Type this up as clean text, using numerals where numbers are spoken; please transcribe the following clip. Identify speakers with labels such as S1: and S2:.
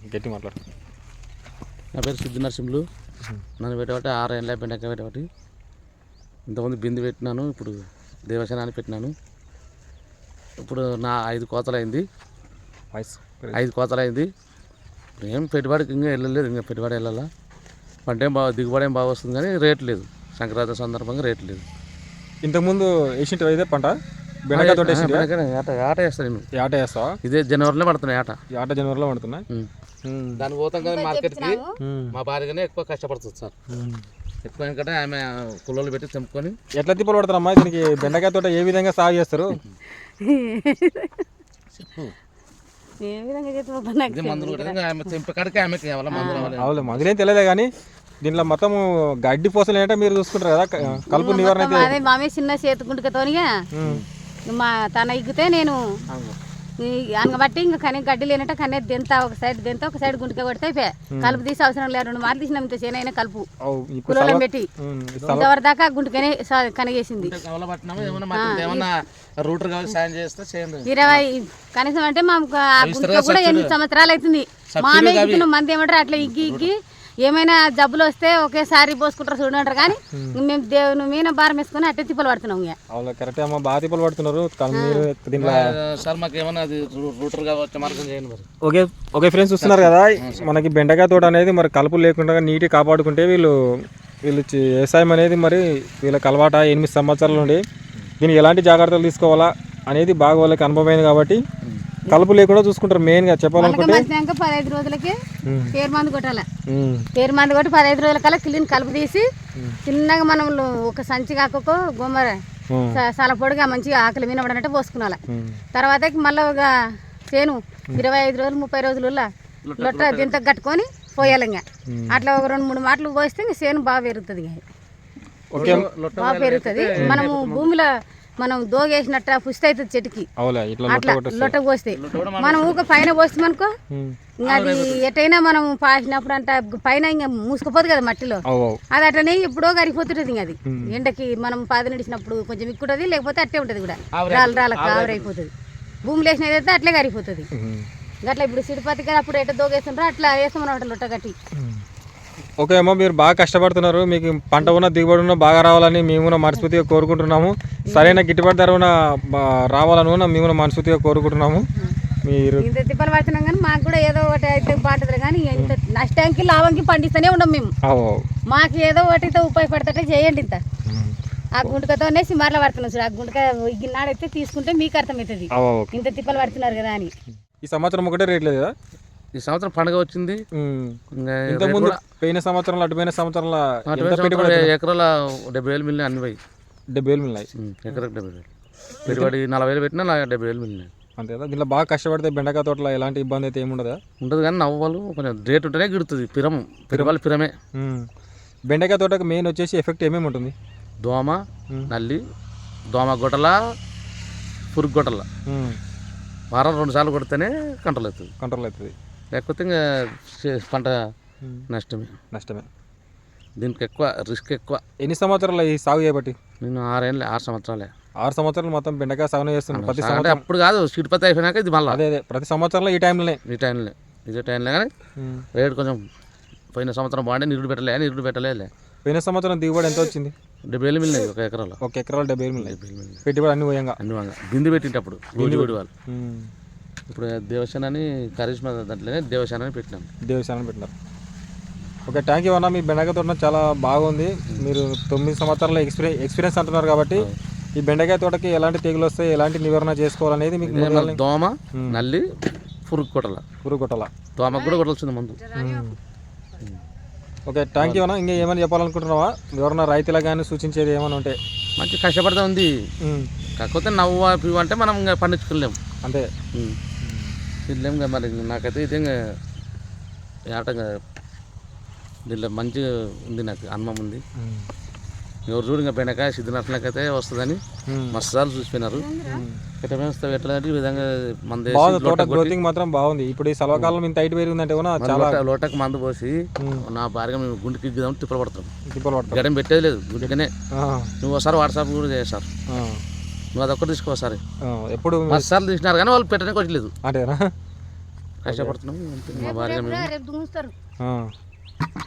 S1: గట్టి మాట్లాడు.
S2: నా పేరు సిద్ధి నరసింహులు. నన్ను పెట్టబట్టి 6 ఏళ్ళ బెండకాయ పెట్టబట్టి ఇంతకుముందు బిందు పెట్టినాను, ఇప్పుడు దేవసేనాన్ని పెట్టినాను. ఇప్పుడు నా 5 కోతలు అయింది. 5 కోతలు అయింది. ఇప్పుడు ఏం పెట్టుబడికి ఇంకా వెళ్ళలేదు, ఇంకా పెట్టుబడి వెళ్ళాలా. పంట ఏం బాగా దిగుబడి ఏం బాగా వస్తుంది కానీ రేట్ లేదు. సంక్రాంతి సందర్భంగా రేట్ లేదు.
S1: ఇంతకుముందు వేసింటి అయితే పంట బెండకాయ తోట
S2: ఆట వేస్తాను నేను.
S1: ఆట వేస్తావా?
S2: ఇదే జనవరిలో పడుతున్నాయి ఆట.
S1: ఆట జనవరిలో పడుతున్నాయి.
S2: దాన్ని పోతాం కదా మార్కెట్కి. మా భార్యగానే ఎక్కువ కష్టపడుతుంది సార్. ఎక్కువ ఎందుకంటే ఆమె కుళ్ళలు పెట్టి తెంపుకొని. ఎట్లా
S1: తిప్పలు పడతారమ్మా దీనికి? బెండకాయ తోట ఏ విధంగా సాగు చేస్తారు? మందులేం తెలియదు కానీ దీంట్లో మొత్తం గడ్డి పోసలు ఏంటంటే మీరు చూసుకుంటారు కదా, కలుపు నివారణ.
S3: అదే మామే చిన్న చేతుకుంటుకతోనిగా మా తన ఇగ్గితే నేను అనగబట్టి ఇంకా కనీ గడ్డి లేనట్టు కనే దెంత ఒక సైడ్ గుంటుక కొడితే అయిపోయా. కలుపు తీసి అవసరం లేదు. 2 మార్లు తీసినాం ఇంత చేనైనా కలుపు కులం పెట్టి ఇంతవరకు దాకా గుంటుకనే కనగేసింది. 20 కనీసం అంటే మా గుంటుక కూడా 8 సంవత్సరాలు అవుతుంది. మామే ఇగ్గుతున్నాం. మంది ఏమంటారు అట్లా ఇగ్గి ఏమైనా జబ్బులు వస్తే ఒకేసారి పోసుకుంటారు చూడంటారు కానీ మేము దేవుని మీద భారం వేసుకుని అట్టే తిప్పలు పడుతున్నాం.
S1: కరెక్ట్ అమ్మా, బాగా తిప్పలు పడుతున్నారు. ఓకే ఫ్రెండ్స్, చూస్తున్నారు కదా మనకి బెండకాయ తోట అనేది మరి కలుపు లేకుండా నీటి కాపాడుకుంటే వీళ్ళు వ్యవసాయం అనేది మరి వీళ్ళకి అలవాట 8 సంవత్సరాల నుండి దీనికి ఎలాంటి జాగ్రత్తలు తీసుకోవాలా అనేది బాగా వాళ్ళకి అనుభవమైంది కాబట్టి కలుపు లేకుండా చూసుకుంటారు. మెయిన్ గా చెప్పాలనుకుంటే
S3: 15 రోజులకి పేరు మందు కొట్టాలి. పేరు మందు కొట్టి 15 రోజుల కల్లా క్లీన్ కలుపు తీసి చిన్నగా మనం ఒక సంచి కాకో గొమ్మర చాలా పొడిగా మంచిగా ఆకలి మీద పడినట్టు పోసుకున్నాలి. తర్వాత మళ్ళీ ఒక చేను 25 రోజులు 30 రోజులు లొట్ట దింత కట్టుకొని పోయాలి. ఇంకా అట్లా ఒక 2-3 మాటలు పోస్తే ఇంకా చేను బాగా పెరుగుతుంది. బాగా పెరుగుతుంది. మనము భూమిలో మనం దోగేసినట్ట పుష్టి అవుతుంది చెట్టుకి. అట్లా లొట్ట పోస్తే మనం ఊక పైన పోస్తామనుకో అది ఎటైనా మనం పాసినప్పుడు అంట పైన ఇంకా మూసుకుపోదు కదా మట్టిలో. అది అట్లనే ఎప్పుడో కరిగిపోతుంటది. ఇంకా అది ఎండకి మనం పాది నడిచినప్పుడు కొంచెం ఎక్కుంటది, లేకపోతే అట్టే ఉంటది కూడా రాళ్ళ కావరైపోతుంది. భూమిలో వేసినదైతే అట్లే కరిగిపోతుంది. అట్లా ఇప్పుడు సిడిపత్తి కదా అప్పుడు ఎట్ట దోగేస్తుంటారో అట్లా వేస్తామన్నమాట లొట్ట కట్టి.
S1: ఓకే అమ్మ, మీరు బాగా కష్టపడుతున్నారు. మీకు పంట ఉన్న దిగుబడి ఉన్న బాగా రావాలని మేము మనస్ఫూర్తిగా కోరుకుంటున్నాము. సరైన గిట్టుబాటు ధర రావాలని మేము మనస్ఫూర్తిగా కోరుకుంటున్నాము. మీరు
S3: ఇంత తిప్పలు పడుతున్నాం కానీ మాకు కూడా ఏదో ఒకటి అయితే బాగుంటుంది కానీ ఇంత నష్టానికి లాభంకి పండిస్తూనే ఉన్నాం మేము. మాకు ఏదో ఒకటి ఉపయోగపడతాటే చేయండి. ఇంత ఆ గుంటకతోనే సిమార్లో పడుతున్నాం చూడు. ఆ గుంటక ఇగినాడైతే తీసుకుంటే మీకు అర్థమవుతుంది ఇంత తిప్పలు పడుతున్నారు కదా అని.
S1: ఈ సంవత్సరం ఒకటే రేట్ లేదు కదా?
S2: ఈ సంవత్సరం పండుగ వచ్చింది.
S1: ఇంతకుముందు పోయిన సంవత్సరంలో అటుపోయిన సంవత్సరంలో
S2: ఎకరాల 70,000 మిల్లినాయి. అన్ని పోయి
S1: 70,000 మిల్లినాయి.
S2: ఎకరకు 70,000 పెట్టుబడి 40,000 పెట్టినా 70,000 మిల్లినాయి.
S1: అంతే కదా? దీంట్లో బాగా కష్టపడితే బెండకాయ తోటలో ఎలాంటి ఇబ్బంది అయితే ఏముండదా?
S2: ఉండదు కానీ నవ్వాలు కొంచెం రేట్ ఉంటేనే గిడుతుంది. పిరమే.
S1: బెండకాయ తోటకు మెయిన్ వచ్చేసి ఎఫెక్ట్ ఏమేమి ఉంటుంది?
S2: దోమ, నల్లి, దోమ గొట్టల, పురుగు గొట్టల వారం 2 సార్లు కొడితేనే కంట్రోల్ అవుతుంది. లేకపోతే ఇంకా పంట నష్టమే. దీనికి ఎక్కువ రిస్క్ ఎక్కువ.
S1: ఎన్ని సంవత్సరాలు ఈ సాగు చేయబట్టి?
S2: నేను 6 సంవత్సరాలే.
S1: 6 సంవత్సరాలు మొత్తం బెండకాయ సాగు చేస్తున్నాను. ప్రతి
S2: సంవత్సరం అప్పుడు కాదు, సిడిపత్తి అయిపోయినాక ఇది మళ్ళీ
S1: అదే ప్రతి సంవత్సరంలో ఈ టైంలోనే
S2: ఇదే టైంలో కానీ రేటు కొంచెం పోయిన సంవత్సరం బాగుండే. నిరుడు పెట్టలేదు.
S1: పోయిన సంవత్సరం దిగుబడి ఎంత వచ్చింది?
S2: 70,000 మిల్లినాయి. ఒక ఎకరాలో
S1: 70,000 మిల్లినాయి. పెట్టుబడి అన్ని పోయంగా
S2: బిందు పెట్టినప్పుడు వాళ్ళు. ఇప్పుడు దేవసేనని కరిష్మా దాంట్లోనే దేవసేనని పెట్టినారు. ఓకే, థ్యాంక్ యూ అన్న. మీ బెండకాయ తోట చాలా బాగుంది. మీరు 9 సంవత్సరాల ఎక్స్పీరియన్స్ అంటున్నారు కాబట్టి ఈ బెండకాయ తోటకి ఎలాంటి తెగులు వస్తాయి, ఎలాంటి నివారణ చేసుకోవాలనేది మీకు దోమ, నల్లి, పురుగు కొట్టాల దోమకు కూడా కొట్టాల్సింది ముందు.
S1: ఓకే, థ్యాంక్ యూ అన్న. ఇంకా ఏమైనా చెప్పాలనుకుంటున్నావా? ఎవరన్నా రైతులా కానీ సూచించేది ఏమైనా ఉంటే?
S2: మంచి కష్టపడతా ఉంది. కాకపోతే నవ్వు అంటే మనం ఇంకా పండించుకోలేము.
S1: అంతే
S2: తినలేము కదా. మరి నాకైతే ఇది ఇంకా ఆటంగా దీంట్లో మంచిగా ఉంది. నాకు అనుభవం ఉంది. ఎవరు చూడు ఇంకా బెండకాయ సిద్ధినట్లకైతే వస్తుందని మస్తు సార్లు చూసిపోయినారు. ఈ విధంగా
S1: గ్రోతింగ్ మాత్రం బాగుంది. ఇప్పుడు ఈ సలవకాలం ఇంత హైట్ పెరిగిందంటే చాలా
S2: లోటకు మందు పోసి నా భార్య మేము గుండెకి ఇద్దామని తిప్పలు పడతాం. గడం పెట్టేది లేదు గుండెకనే. నువ్వు ఒకసారి వాట్సాప్ కూడా చేస్తారు. నువ్వు అదొక్కటి తీసుకోసారి.
S1: ఎప్పుడు
S2: 10 సార్లు తీసినారు కానీ వాళ్ళు పెట్టడానికి వచ్చలేదు. కష్టపడుతున్నాం. మా భార్య మేము
S3: రేపు దుంగుస్తారు
S1: ఆ.